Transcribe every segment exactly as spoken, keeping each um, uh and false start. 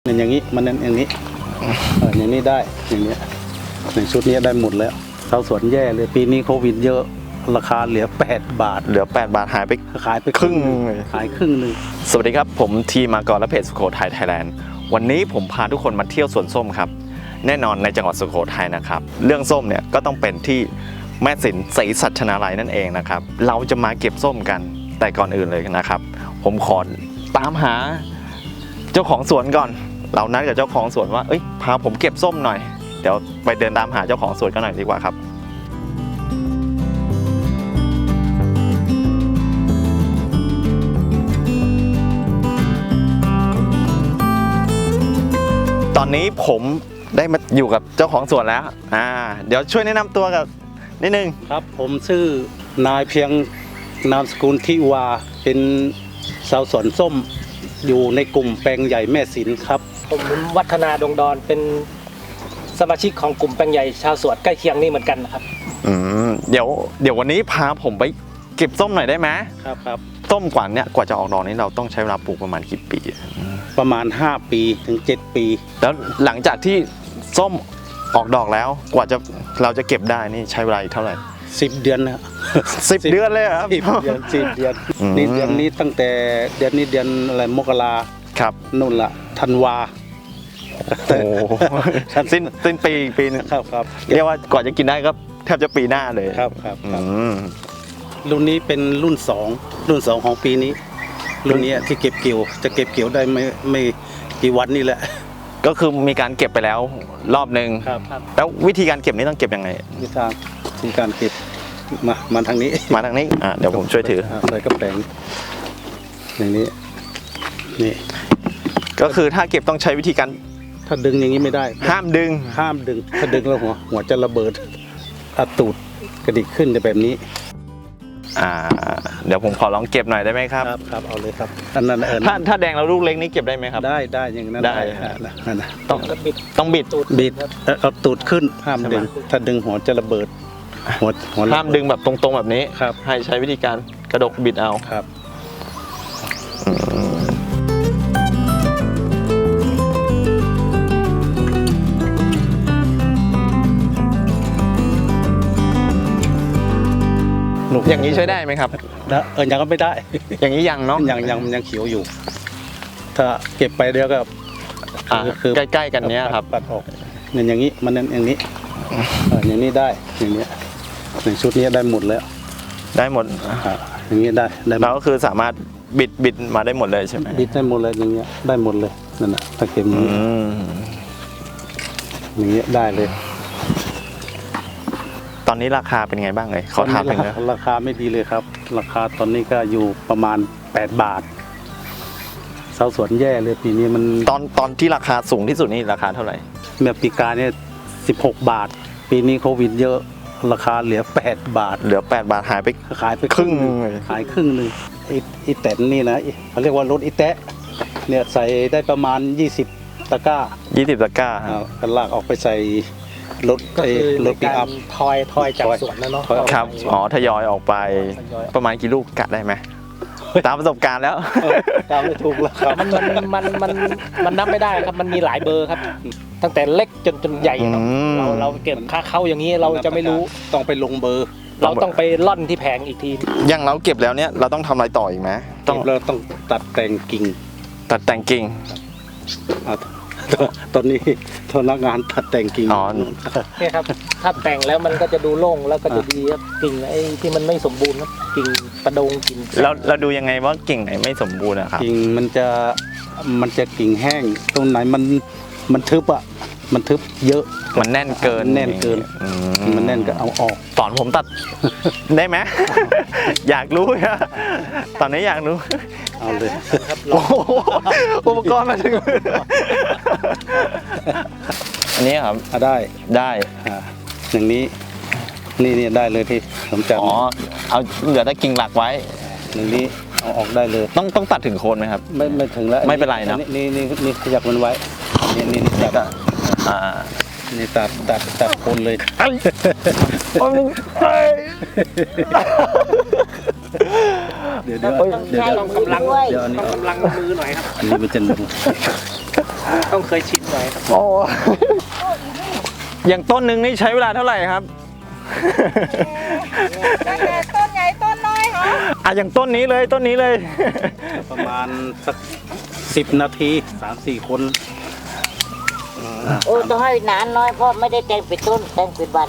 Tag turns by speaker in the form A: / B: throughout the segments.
A: อย่างนี้มันอย่างนี้อย่างนี้ได้อย่างนี้ในชุดนี้ได้หมดแล้วชาวสวนแย่เลยปีนี้โควิดเยอะราคาเหลือแปดบาท
B: เหลือแปดบาทหายไป
A: ขายไป
B: ครึ่ง
A: ขายครึ่งนึง
B: สวัสดีครับผมทีมากรและเพจสุโขทัยไทยแลนด์วันนี้ผมพาทุกคนมาเที่ยวสวนส้มครับแน่นอนในจังหวัดสุโขทัยนะครับเรื่องส้มเนี่ยก็ต้องเป็นที่แม่สินศรีสัชนาลัยนั่นเองนะครับเราจะมาเก็บส้มกันแต่ก่อนอื่นเลยนะครับผมขอตามหาเจ้าของสวนก่อนเรานัดกับเจ้าของสวนว่าเอ้ยพาผมเก็บส้มหน่อยเดี๋ยวไปเดินตามหาเจ้าของสวนกันหน่อยดีกว่าครับตอนนี้ผมได้มาอยู่กับเจ้าของสวนแล้วอ่าเดี๋ยวช่วยแนะนำตัวกับนิดนึง
A: ครับผมชื่อนายเพียงนามสกุลทิวาเป็นชาวสวนส้มอยู่ในกลุ่มแปลงใหญ่แม่สินครับ
C: ผมวัฒนาดงดอนเป็นสมาชิกของกลุ่มแปลงใหญ่ชาวสวนใกล้เคียงนี่เหมือนกันนะครับ
B: อืมเดี๋ยวเดี๋ยววันนี้พาผมไปเก็บส้มหน่อยได้ไหม
A: ครับครับ
B: ส้มกว่านี้กว่าจะออกดอกนี้เราต้องใช้เวลาปลูกประมาณกี่ปี
A: ประมาณห้าปีถึงเจ็ดปี
B: แล้วหลังจากที่ส้มออกดอกแล้วกว่าจะเราจะเก็บได้นี่ใช้เวลาอีกเท่าไหร่
A: สิบเดือนนะ
B: สิบเดือนเลยครับ
A: สิบเดือนสิบเดือนนี่เดือนนี้ตั้งแต่เดือนนี้เดือนอะไรมกรา
B: ครับ
A: นู่นละธันวา
B: โอ้สิ้นสิ้นปีปีนึง
A: ครับครับ
B: เรียกว่าก่อนจะกินได้ก็แทบจะปีหน้าเลย
A: ครับครับรุ่นนี้เป็นรุ่นสองรุ่นสองของปีนี้รุ่นนี้ที่เก็บเกี่ยวจะเก็บเกี่ยวได้ไม่ไม่กี่วันนี่แหละ
B: ก็คือมีการเก็บไปแล้วรอบหนึ่งแล้ววิธีการเก็บนี้ต้องเก็บยังไง
A: วิธีการวิธีการเก็บมามาทางนี้
B: มาทางนี้อ่าเดี๋ยวผมช่วยถือ
A: ใส่กระแป้งอย่างนี้นี่
B: ก็คือถ้าเก็บต้องใช้วิธีการ
A: ถ้าดึงอย่างนี้ไม่ได้
B: ห้ามดึง
A: ห้ามดึงถ้าดึงแล้วหัวหัวจะระเบิดอาตูดกระดิกขึ้นจะแบบนี้
B: อ่าเดี๋ยวผมขอลองเก็บหน่อยได้ไหมครับ
A: ครับครับเอาเลยครับอันนั้นเออ
B: ถ้าถ้าแดงแล้วลูกเล็กนี้เก็บได้ไหมครับ
A: ได้ได้อย่างนั้น
B: ได้
A: นั่นนะ
B: ต้องบิดต้องบิด
A: บิดเอาตูดขึ้นห้ามดึงถ้าดึงหัวจะระเบิดหัวหัว
B: ห้ามดึงแบบตรงๆแบบนี้
A: ครับ
B: ให้ใช้วิธีการกระดกบิดเอา
A: ครับ
B: อย่างนี้ใช้ได้ไหมครับ
A: เออยังก็ไม่ได้
B: อย่างนี้ยังเนาะ
A: ยังยังยังเขียวอยู่ถ้าเก็บไปเดี๋ยวก็
B: คือใกล้ๆกันเนี้ยครับ
A: ปัดออกเนี่ยอย่างนี้มันอย่างนี้อย่างนี้ได้อย่างนี้ในชุดนี้ได้หมดแล้ว
B: ได้หมด
A: อย่างนี้ได้
B: แล้วก็คือสามารถบิดบิดมาได้หมดเลยใช่ไหม
A: บิดได้หมดเลยอย่างเงี้ยได้หมดเลยนั่นแหละถ้าเก็บอย่างนี้อย่างเงี้ยได้เลย
B: ตอนนี้ราคาเป็นไงบ้างเลยขอถามหน่อยนะ
A: ราคาไม่ดีเลยครับราคาตอนนี้ก็อยู่ประมาณแปดบาทชาวสวนแย่เลยปีนี้มัน
B: ตอนตอนที่ราคาสูงที่สุดนี่ราคาเท่าไหร่
A: เมื่อปีกาเนี่ยสิบหกบาทปีนี้โควิดเยอะราคาเหลือแปดบาท
B: เหลือแปดบาทหายไป
A: ขายไปครึ่งขายครึ่งนึงอีแตนนี่นะเขาเรียกว่ารถอีแตะเนี่ยใส่ได้ประมาณยี่สิบตะกร้า
B: ยี่สิบตะกร้า
A: กันลากออกไปใส่รถ
C: ก็คือรถปิกอัพทอยทอยจากสวนนะเนาะ
B: ครับอ๋อทยอยออกไปประมาณกี่ลูกกะได้ไหมตามประสบการณ์แล้ว
A: ตามไม่ถูกแล้วครับ
C: มันมันมันมันนับไม่ได้ครับมันมีหลายเบอร์ครับตั้งแต่เล็กจนจนใหญ่เราเราเก็บค่าเข้าอย่างนี้เราจะไม่รู้
A: ต้องไปลงเบอร์
C: เราต้องไปล่อนที่แผงอีกที
B: อย่างเราเก็บแล้วเนี่ยเราต้องทำอะไรต่ออีกไหม
A: ต้องเราต้องตัดแต่งกิ่ง
B: ตัดแต่งกิ่ง
A: ตอนนี้พนักงานตัดแต่งกิ่ง
B: อ๋อ
C: เนี่ยครับถ้าแต่งแล้วมันก็จะดูโล่งแล้วก็จะดีครับกิ่งไอ้ที่มันไม่สมบูรณ์ครับกิ่งประดงกิ่ง
B: แล้วเราดูยังไงว่ากิ่งไหนไม่สมบูรณ์อะครับ
A: กิ่งมันจะมันจะกิ่งแห้งตรงไหนมันมันทึบอะมันทึบเยอะ
B: มันแน่นเกิน
A: แน่นเกินมันแน่นก็เอาออก
B: สอนผมตัดได้ไหมอยากรู้นะตอนนี้อยากรู้
A: เอาเลย
B: อุปกรณ์มาถึงอันนี้ครับ
A: ได้
B: ได้
A: อย่างนี้นี่นี่ได้เลยที่ผมจับ
B: อ๋อเอาเหลือแต่กิ่งหลักไว้
A: อย่างนี้เอาออกได้เลย
B: ต้องต้องตัดถึงโคนไหมครับ
A: ไม่ไม่ถึงแล้ว
B: ไม่เป็นไรนะ
A: นี่นี่นี่ขยับมันไว้นี่นี่นี่ตัด
B: อ่า
A: นี่ตัดตัดตัดโคนเลย
C: เดี๋ยวเดี๋ยวเดี๋ยวต้องกำลังต้องกำลังมือหน่อยครับ
A: อันนี้มันจะ
C: ต้องเคยชินหน่อยครับ
B: โอ้ อย่างต้นหนึ่งนี่ใช้เวลาเท่าไหร่ครับ
D: ตั้งแต่ต้นใหญ่ต้นน้อยเหรอ
B: อ่ะอย่างต้นนี้เลยต้นนี้เลย
A: ประมาณสักสิบนาทีสามสี่คน
D: โอ้ต้องให้นานน้อยเพราะไม่ได้แต่งเป็นต้นแต่งเป็นวัน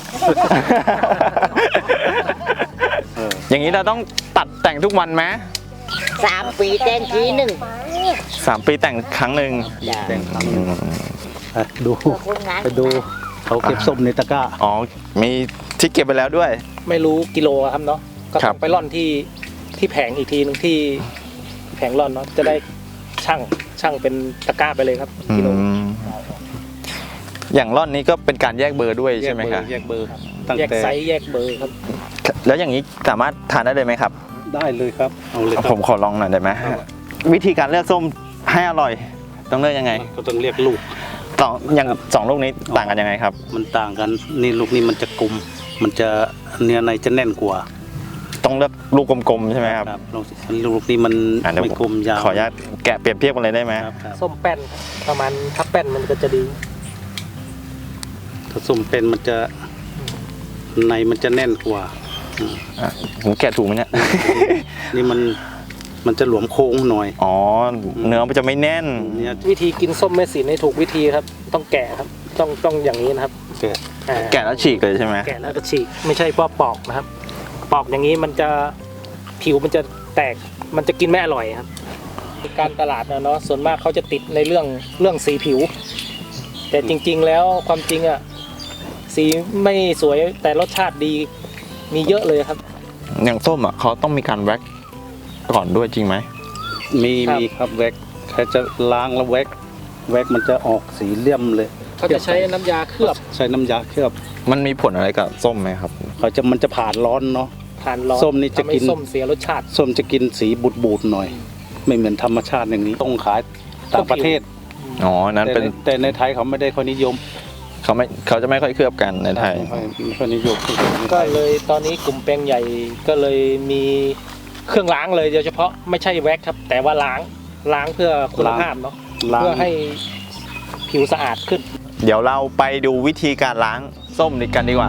A: เออ
B: อย่างนี้เราต้องตัดแต่งทุกวันไหม
D: สามปีแต่งทีหนึ่ง
B: สามปีแต่งครั้งหนึ่ง
D: จ้ะ
A: แต่งครั้งหนึ่งไปดู
D: คนงาน
A: ไปดูเขาเก็บส้มในตะกร้า
B: อ๋อมีที่เก็บไปแล้วด้วย
C: ไม่รู้กิโลครับเนาะก็
B: ครั
C: ต้อบ งไปร่อนที่ที่แผงอีกทีหนึงที่แผงร่อนเนาะจะได้ช่างช่างเป็นตะกร้าไปเลยครับ
B: อื
C: กิโล
B: มอย่างร่อนนี้ก็เป็นการแยกเบอร์ด้วยใช่ไหมครับ
A: แยกเบอร์ตั้ง
C: แยก
A: แต่
C: ไซส์แยกเบอร์ครับ
B: แล้วอย่างนี้สามารถทานได้เลยไหมครับ
A: ได้เลยครับเอาเลยค
B: ผ
A: รับ
B: มขอลองหน่อยได้ไหมวิธีการเลือกส้มให้อร่อย ต้องเลือกยังไง
A: ก็ต้องเรียกลูก
B: สองอย่างสองลูกนี้ต่างกันยังไงครับ
A: มันต่างกันนี่ลูกนี้มันจะกลมมันจะเนื้อในจะแน่นกว่า
B: ต้องเลือกลูกกลมๆใช่ไหมครับ
A: ลูกลูกนี้มัน
B: อ่ะเดี๋ยว
A: ไม่
B: ผม
A: กลมยาว
B: ขออนุญาตแกะเปรียบเทียบกันเลยได้ไหม
A: ครับครับ
C: ส้มแป้นประมาณถ้าแป้นมันก็จะดี
A: ถ้าส้มเป็นมันจะในมันจะแน่นกว่าอืม
B: อ่ะผมแกะถูกไหมเนี่ย
A: นี่มันมันจะหลวมโค้งหน่อย
B: อ๋อเนื้อมันจะไม่แน่น
A: เนี่ย
C: วิธีกินส้มแม่สินให้ถูกวิธีครับ ต้องแกะครับ ต้องต้องอย่างนี้นะครับ
A: แกะ
C: อ่า
B: แกะแล้วฉีกเลยใช่ไหม
C: แกะแล้วก็ฉีกไม่ใช่ว่าปอกนะครับ ปอกอย่างนี้มันจะผิวมันจะแตกมันจะกินไม่อร่อยครับการตลาดนะเนาะส่วนมากเขาจะติดในเรื่องเรื่องสีผิว แต่จริง ๆ แล้วความจริงอ่ะสีไม่สวยแต่รสชาติดีมีเยอะเลยครับ
B: อย่างส้มอ่ะเขาต้องมีการแว็กก่อนด้วยจริงไหม
A: มี
C: ครับ
A: มีครับแว็กแค่จะล้างแล้วแว็กแว็กมันจะออกสีเลี่ยมเลย
C: เขาจะใช้น้ำยาเคลือบ
A: ใช้น้ำยาเคลือบ
B: มันมีผลอะไรกับส้มไหมครับ
A: เขาจะมันจะผ่านร้อนเนาะ
C: ผ่านร้อน
A: ส้มนี่จะ
C: ทำให้
A: กิน
C: ส้มเสียรสชาติ
A: ส้มจะกินสีบูดบูดๆหน่อย ไม่เหมือนธรรมชาติอย่างนี้ต้องขายต่างประเทศ
B: อ๋อนั้น
A: แต่
B: เป็น
A: ในแต่ในไทยเขาไม่ได้ค่อยนิยม
B: เขาไม่เขาจะไม่ค่อยเคลือบกันในไทย
A: ไม่ค่อยไม่ค่อยนิยม
C: ก็เลยตอนนี้กลุ่มแปลงใหญ่ก็เลยมีเครื่องล้างเลยโดยเฉพาะไม่ใช่แว็กครับ แต่ว่าล้างล้างเพื่อคุณภาพเนาะ
A: ล้าง
C: เพื่อให้ผิวสะอาดขึ้น
B: เดี๋ยวเราไปดูวิธีการล้างส้มกันดีกว่า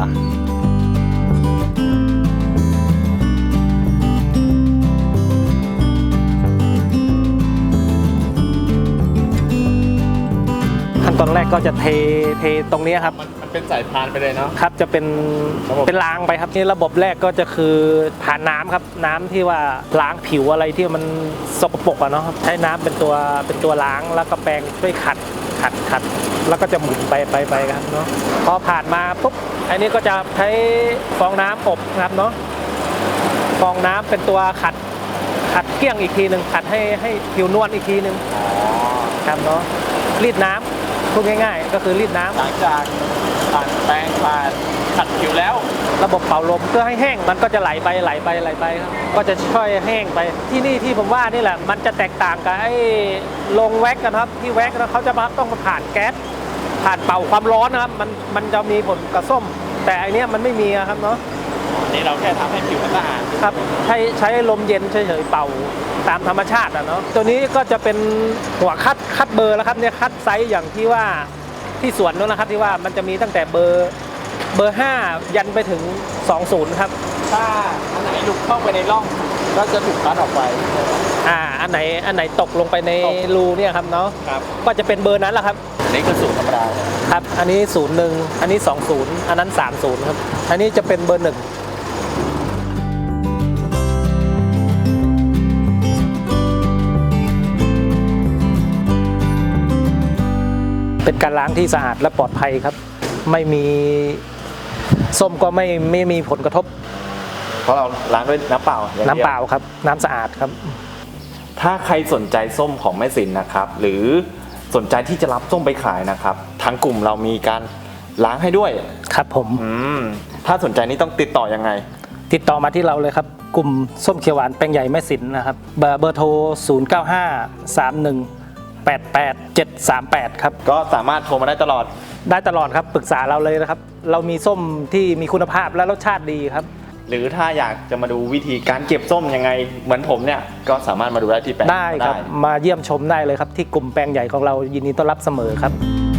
C: ขั้นตอนแรกก็จะเทเทตรงนี้ครับ
B: มันเป็นสายพานไปเลยเนาะ
C: ครับจะเป็น
B: ระบบ
C: เป็นล้างไปครับนี่ระบบแรกก็จะคือผ่านน้ำครับน้ำที่ว่าล้างผิวอะไรที่มันสกปรกอะเนาะครับใช้น้ำเป็นตัวเป็นตัวล้างแล้วก็แปรงช่วยขัดขัดขัดแล้วก็จะหมุนไปไปไปครับเนาะพอผ่านมาปุ๊บอันนี้ก็จะใช้ฟองน้ำอบครับเนาะฟองน้ำเป็นตัวขัดขัดเกลี้ยงอีกทีหนึ่งขัดให้ให้ผิวนวลอีกทีหนึ่งครับเนาะรีดน้ำพูดง่ายๆ ก็คือรีดน้ำ
B: หลังจากผ่านแปรงผ่านขัดผิวแล้ว
C: ระบบเป่าลมเพื่อให้แห้งมันก็จะไหลไปไหลไปไหลไปครับก็จะช่วยแห้งไปที่นี่ที่ผมว่านี่แหละมันจะแตกต่างกับไอ้ลงแว็กกันครับที่แว็กนะเขาจะมาต้องมาผ่านแก๊สผ่านเป่าความร้อนนะครับมันมันจะมีผลกับส้ม แต่อันเนี้ยมันไม่มีอะครับเนาะ
B: นี่เราแค่ทำให้ผิวมันสะอาด
C: ครับใช้ใช้ลมเย็นเฉยๆเป่าตามธรรมชาติอะเนาะตัวนี้ก็จะเป็นหัวคัดคัดเบอร์แล้วครับเนี่ยคัดไซส์อย่างที่ว่าที่สวนนู้นนะครับที่ว่ามันจะมีตั้งแต่เบอร์เบอร์ห้ายันไปถึงสองศูนย์ครับ
B: ถ้าอันไหนหลุดเข้าไปในร่องก็จะถูกคัดออกไป
C: อ่าอันไหนอันไหนตกลงไปใน
B: ตก
C: รูเนี่ยครับเนาะ
B: ครับ
C: ก็จะเป็นเบอร์นั้นแหละครับ
B: อันนี้คือสูตรธรรมดา
C: ครับอันนี้ศูนย์หนึ่งอันนี้สองศูนย์อันนั้นสามศูนย์ครับอันนี้จะเป็นเบอร์หนึ่งเป็นการล้างที่สะอาดและปลอดภัยครับ ไม่มีส้มก็ไม่ไม่มีผลกระทบ
B: เพราะเราล้างด้วยน้ำเปล่าอย่งดียว
C: น้ำเปล่าครับน้ำสะอาดครับ
B: ถ้าใครสนใจส้มของแม่สินนะครับ หรือสนใจที่จะรับส้มไปขายนะครับทางกลุ่มเรามีการล้างให้ด้วย
C: ครับผม
B: อืมถ้าสนใจนี่ต้องติดต่อยังไง
C: ติดต่อมาที่เราเลยครับ กลุ่มส้มเขียวหวานแปลงใหญ่แม่สินนะครับเบอร์เบอร์โทร ศูนย์ เก้า ห้า สาม หนึ่ง แปด แปด เจ็ด สาม แปด ครับ
B: ก็สามารถโทรมาได้ตลอด
C: ได้ตลอดครับปรึกษาเราเลยนะครับ เรามีส้มที่มีคุณภาพและรสชาติดีครับ
B: หรือถ้าอยากจะมาดูวิธีการเก็บส้มยังไงเหมือนผมเนี่ยก็สามารถมาดูได้ที่แปลง
C: ได้ครับมาเยี่ยมชมได้เลยครับที่กลุ่มแปลงใหญ่ของเรายินดีต้อนรับเสมอครับ